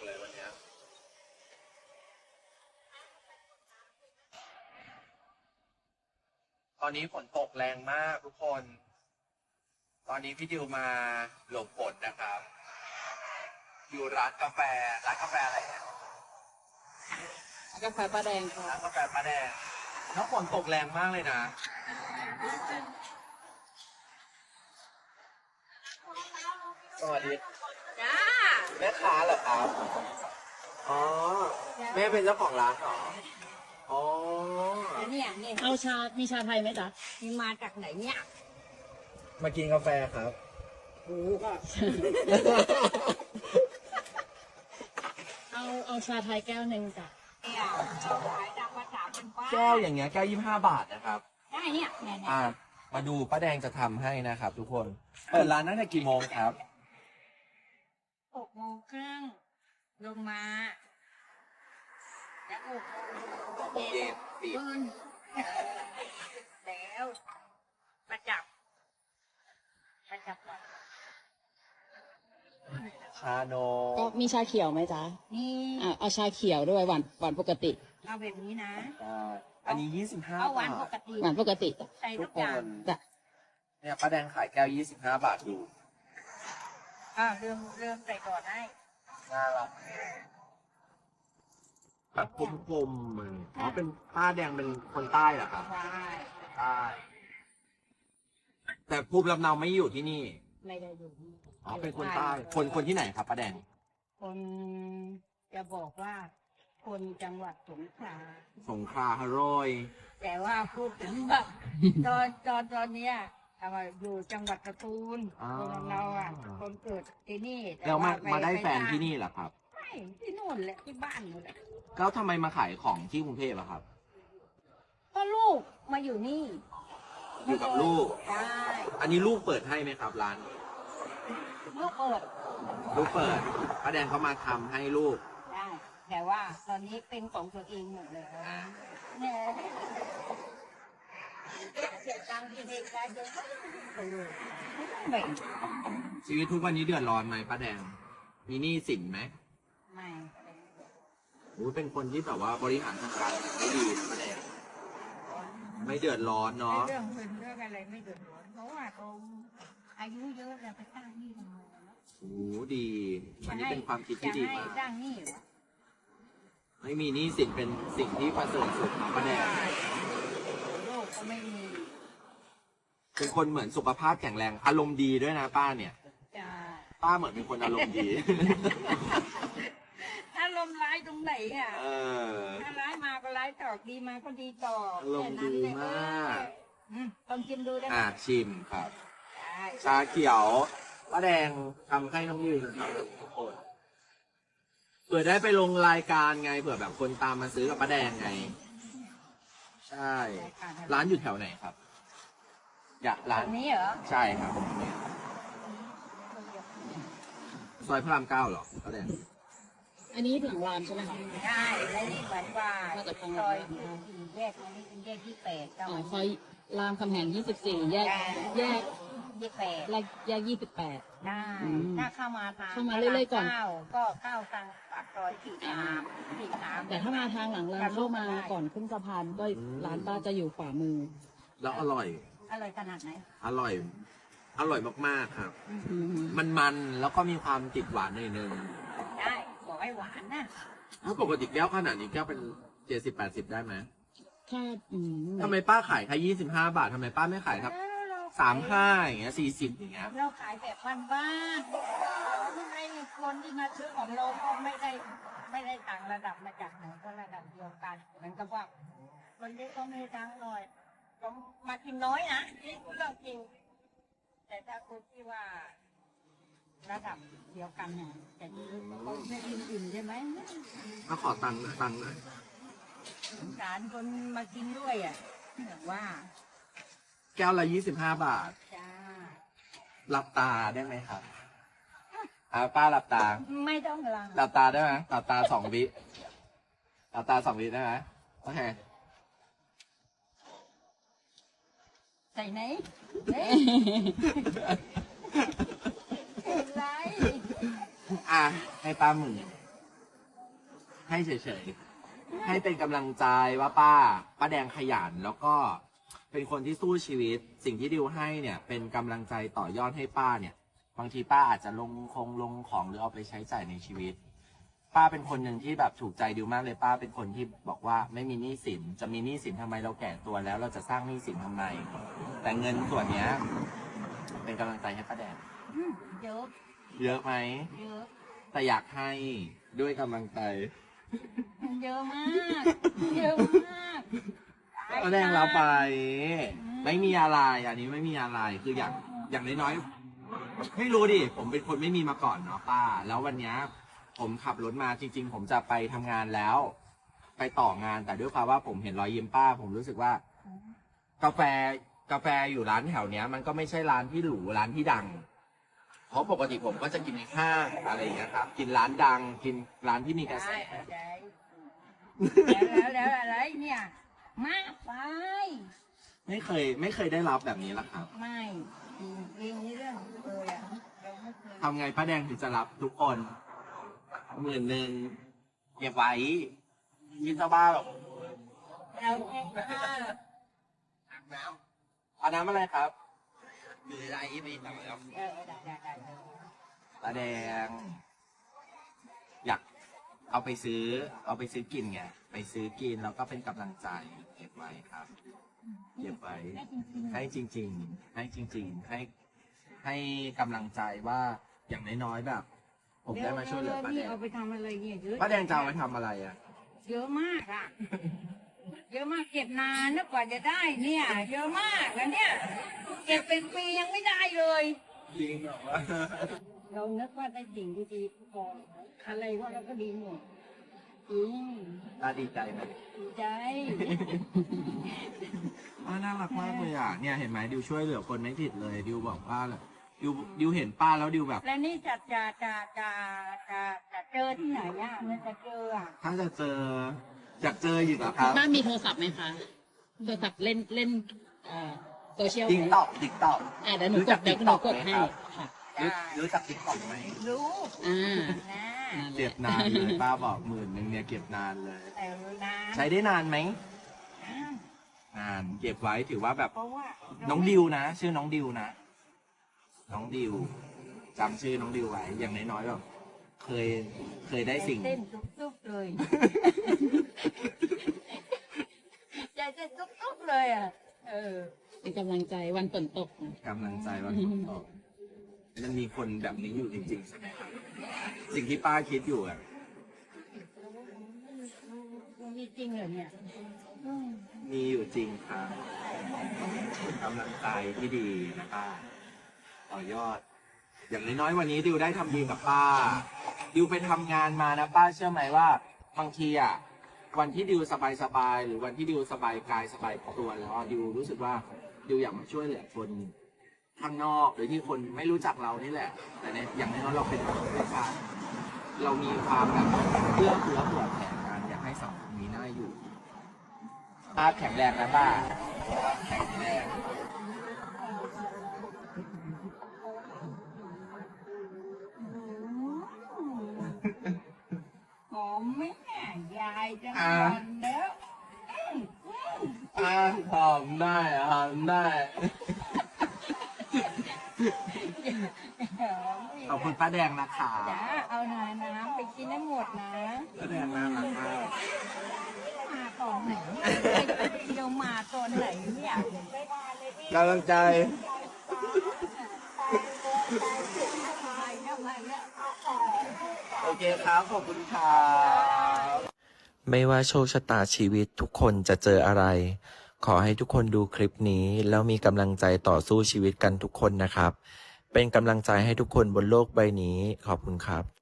เลยวันเนี้ยตอนนี้ฝนตกแรงมากทุกคน ตอนนี้พี่ดิวมาหลบฝนนะครับ อยู่ร้านกาแฟอะไรเนี่ยกาแฟป้าแดงค่ะร้านกาแฟป้าแดงแล้วฝนตกแรงมากเลยนะสวัสดีจ้าแม่ค้าเหรอครับ อ๋อ แม่เป็นเจ้าของร้านเหรอ อ๋อเนี่ยเอาชา มีชาไทยไหมจ๊ะมีมาจากไหนเนี่ยมากินกาแฟครับโอ้ก็ เอาชาไทยแก้วหนึ่งจ้ะเนี่ยขายตามภาษาเป็นป้าแก้วอย่างเงี้ยแก้ว25 บาทนะครับได้เนี่ยเนี่ยมาดูป้าแดงจะทำให้นะครับ ทุกคน เปิดร้านตั้งแต่กี่โมงครับ 6:30ลงมาแล้ว6 โมงเย็นปิดปืนแล้วประจับก่อนชาโนก็มีชาเขียวไหมจ๊ะนี่เอาชาเขียวด้วยหวานปกติเอาแบบนี้นะอันนี้25 เอาหวานบาปทกติหวานปกติใส่ทุทุกกคอย่างนจ้ะเนี่ยป้าแดงขายแก้ว25 บาทอยู่เริ่มใส่ก่อนให้น่ารักแบบกลมๆมันอ๋อเป็นป้าแดงเป็นคนใต้เหรอครับใช่ใต้แต่ภูมิลำเนาไม่อยู่ที่นี่ไม่ได้ดูอ๋อเป็นคนใต้คนที่ไหนครับป้าแดงคนจะบอกว่าคนจังหวัดสงขลาสงขลาฮารอยแต่ว่าพูดถึงว่า ตอนเนี้ยเอามาอยู่จังหวัดสตูลคนเราอ่ะคนเกิดที่นี่ต่แล้วมาไปได้แฟนปที่นี่เหรอครับไม่ที่นู่นแหละที่บ้านนู่นแหละแล้วทำไมมาขายของที่กรุงเทพอะครับก็ลูกมาอยู่นี่อยู่กับลูกใช่อันนี้ลูกเปิดให้ไหมครับร้านลูกเปิดลูกเปิดป้าแดงเขามาทำให้ลูกได้แต่ว่าตอนนี้เป็นของตัวเองหมดเลยเนี่ยเสียตังค์ที่เด็กได้เยอะไม่ชีวิตทุกวันนี้เดือดร้อนไหมป้าแดง มีหนี้สินไหมไม่โอ้ยเป็นคนที่แบบว่าบริหารจัดการไม่ดีนะป้าแดง ไม่เดือดร้อนเนาะเรื่องเงินเรื่องอะไรไม่เดือดร้อนเพราะว่าเขาอายุเยอะแล้วไปสร้างหนี้ทำไมเนาะโอ้ดีอันนี้เป็นความคิดที่ดีจะให้มากสร้างหนี้เหรอไม่มีหนี้สินเป็นสิ่งที่ประเสริฐสุดครับป้าแดงโลกก็ไม่มีเป็นคนเหมือนสุขภาพแข็งแรง อารมณ์ดีด้วยนะป้าเนี่ยจะป้าเหมือนเป็นคนอารมณ์ดีถ้าลมร้ายตรงไหนอ่ะเออถ้าร้ายมาก็ร้ายตอบดีมาก็ดีตอบอารมณ์ดีมากต้องชิมดูได้ไหมชิมครับได้ชาเขียวป้าแดงทำให้น้องยืนครับทุกคนเผื่อได้ไปลงรายการไงเผื่อแบบคนตามมาซื้อกับป้าแดงไง ใช่ ร้านอยู่แถวไหนครับ อยากร้าอันนนี้เหรอใช่ครับซอยพระราม 9เหรอป้าแดงอันนี้หลังรามใช่ไหมคะใช่แล้วนี่เหมือนว่ามาจากทางซอยแยกนี้เป็นแยกที่8ก็อ๋อซอยรามคำแหง24 แยกที่8 แยก28 ได้อืมถ้าเข้ามาทางเข้ามาเรื่อยๆก่อนก็เข้าทางปากซอย43 แต่ถ้ามาทางหลังรามเข้ามาก่อนขึ้นสะพานก็ร้านป้าจะอยู่ขวามือแล้วอร่อยอร่อยขนาดไหนอร่อย อร่อยมากๆครับอืมมันแล้วก็มีความติดหวานหน่อยนึงได้บอกให้หวานนะถ้าปกติแก้วขนาดนี้แก้วเป็น70-80ได้ไหมถ้าทำไมป้าขายแค่25 บาททำไมป้าไม่ขายครับเรา 35อย่างเงี้ย40อย่างเงี้ยเราขายแบบบ้านๆให้คนที่มาซื้อของเราก็ไม่ได้ต่างระดับมาจากไหนก็ระดับเดียวกันเหมือนกับว่าคนที่เขามีตังค์หน่อยก็มากินน้อยนะนี่เรื่องจริง แต่ถ้าคนที่ว่า ระดับเดียวกันเนี่ยแต่นี่เขาไม่อิ่มๆใช่ไหมมาขอตังค์หน่อยสงสารคนมากินด้วยอ่ะแบบว่าแก้วละ25 บาทจ้าหลับตาได้ไหมครับป้าหลับตาไม่ต้องลังหลับตาได้ไหมหลับตา2 วิหลับตา2 วิได้ไหมโอเคใส่ไหนเฮ้ยเป็นไรให้ป้าหมื่นให้เฉยๆให้เป็นกำลังใจว่าป้าแดงขยันแล้วก็เป็นคนที่สู้ชีวิต สิ่งที่ดิวให้เนี่ยเป็นกำลังใจต่อยอดให้ป้าเนี่ย บางทีป้าอาจจะลงของหรือเอาไปใช้จ่ายในชีวิต ป้าเป็นคนหนึ่งที่แบบถูกใจดิวมากเลยป้าเป็นคนที่บอกว่าไม่มีหนี้สินจะมีหนี้สินทำไมเราแก่ตัวแล้ว เราจะสร้างหนี้สินทำไม แต่เงินส่วนเนี้ยเป็นกำลังใจให้ป้าแดงเยอะเยอะไหมเยอะแต่อยากให้ด้วยกำลังใจเยอะมากเยอะมากป้าแดงเราไป ไม่มีอะไรอันนี้ไม่มีอะไรคืออย่างน้อยๆไม่รู้ดิผมเป็นคนไม่มีมาก่อนเนาะป้า แล้ววันเนี้ยผมขับรถมาจริง ๆ ผมจะไปทำงานแล้ว ไปต่องานแต่ด้วยความว่าผมเห็นรอยยิ้มป้า ผมรู้สึกว่า กาแฟอยู่ร้านแถวเนี้ย มันก็ไม่ใช่ร้านที่หรูร้านที่ดัง เพราะปกติผมก็จะกินในห้างอะไรอย่างเงี้ยครับ กินร้านดัง กินร้านที่มีกระแสแล้วอะไรเนี่ยมากไปไม่เคยได้รับแบบนี้ละครับไม่จริงนี่เรื่องเลยอ่ะเราไม่เคยทำไงป้าแดงถึงจะรับทุกคน10,000เก็บไว้ยินสบ้าแบบเราแค่ว่าเอาน้ำอะไรครับมีอะไรไม่ต่างแล้วได้ป้าแดง อยากเอาไปซื้อกินไงไปซื้อกินแล้วก็เป็นกำลังใจเก็บไว้ครับเก็บไว้ ให้จริงๆให้กำลังใจว่าอย่างน้อยๆแบบ ผมได้มาช่วยเหลือป้าแดงเอาไปทำอะไรเนี่ยเยอะป้าแดงจะเอาไปทำอะไรอ่ะเยอะมากอ่ะเยอะมากเก็บนานนะกว่าจะได้เนี่ย เยอะมากแล้วเนี่ยเก็บเป็นปียังไม่ได้เลยจริงเหรอวะเรานึกว่าได้สิ่งดีๆก่อนอะไรว่าเราก็ดีหมดอืมป้าดีใจไหมดีใจน่ารักมากเลยอ่ะเนี่ยเห็นไหมดิวช่วยเหลือคนไม่ผิดเลยดิวบอกว่าดิวเห็นป้าแล้วดิวแบบแล้วนี่จะเจอที่ไหนอ่ะมันจะเจออ่ะถ้าจะเจออยากเจออยู่นะครับบ้านมีโทรศัพท์ไหมคะ โทรศัพท์เล่นโซเชียลติ๊กต็อกเดี๋ยวหนูกดเดี๋ยวหนูกดให้ค่ะรู้จักติ๊กต็อกไหมรู้อ่านะเก็บนานเลยป้าบอก10,000เนี่ยเก็บนานเลยแต่นานใช้ได้นานไหมนานเก็บไว้ถือว่าแบบเพราะว่าน้องดิวนะ ชื่อน้องดิวนะน้องดิวจำชื่อน้องดิวไว้อย่างน้อยๆแบบเคยได้สิ่งเต้นตุ๊บๆเลยใจเต้นตุ๊บๆเลยอ่ะเป็นกำลังใจวันฝนตกนะกำลังใจว่ามันมีคนแบบนี้อยู่จริงๆใช่ไหมครับสิ่งที่ป้าคิดอยู่อ่ะมีจริงเหรอเนี่ยมีอยู่จริงครับกำลังใจที่ดีนะป้าต่อยอด อย่างน้อยๆวันนี้ดิวได้ทำดีกับป้าดิวไปทำงานมานะป้าเชื่อไหมว่าบางทีอ่ะวันที่ดิวสบายๆหรือวันที่ดิวสบายกายสบายตัวแล้วอ่ะดิวรู้สึกว่าดิวอยากมาช่วยเหลือคนข้างนอกหรือที่คนไม่รู้จักเรานี่แหละ แต่เนี่ยอย่างน้อยๆเราเป็นคนชาติเรามีความแบบเพื่อเผื่อแผ่กันอยากให้สังคมนี้น่าอยู่ป้าแข็งแรงนะป้าแข็งแรงหอมไหมเนี่ยยายจะนอนแล้วหอมได้หอมได้ขอบคุณป้าแดงนะคะจ้าเอาหน่อยน้ำไปกินให้หมดนะป้าแดงน่ารักมากมาตอนไหนเดี๋ยวมาตอนไหนเนี่ยไม่ได้เลยพี่กำลังใจ โอเคครับ ขอบคุณครับไม่ว่าโชคชะตาชีวิตทุกคนจะเจออะไร ขอให้ทุกคนดูคลิปนี้แล้วมีกำลังใจต่อสู้ชีวิตกันทุกคนนะครับ เป็นกำลังใจให้ทุกคนบนโลกใบนี้ ขอบคุณครับ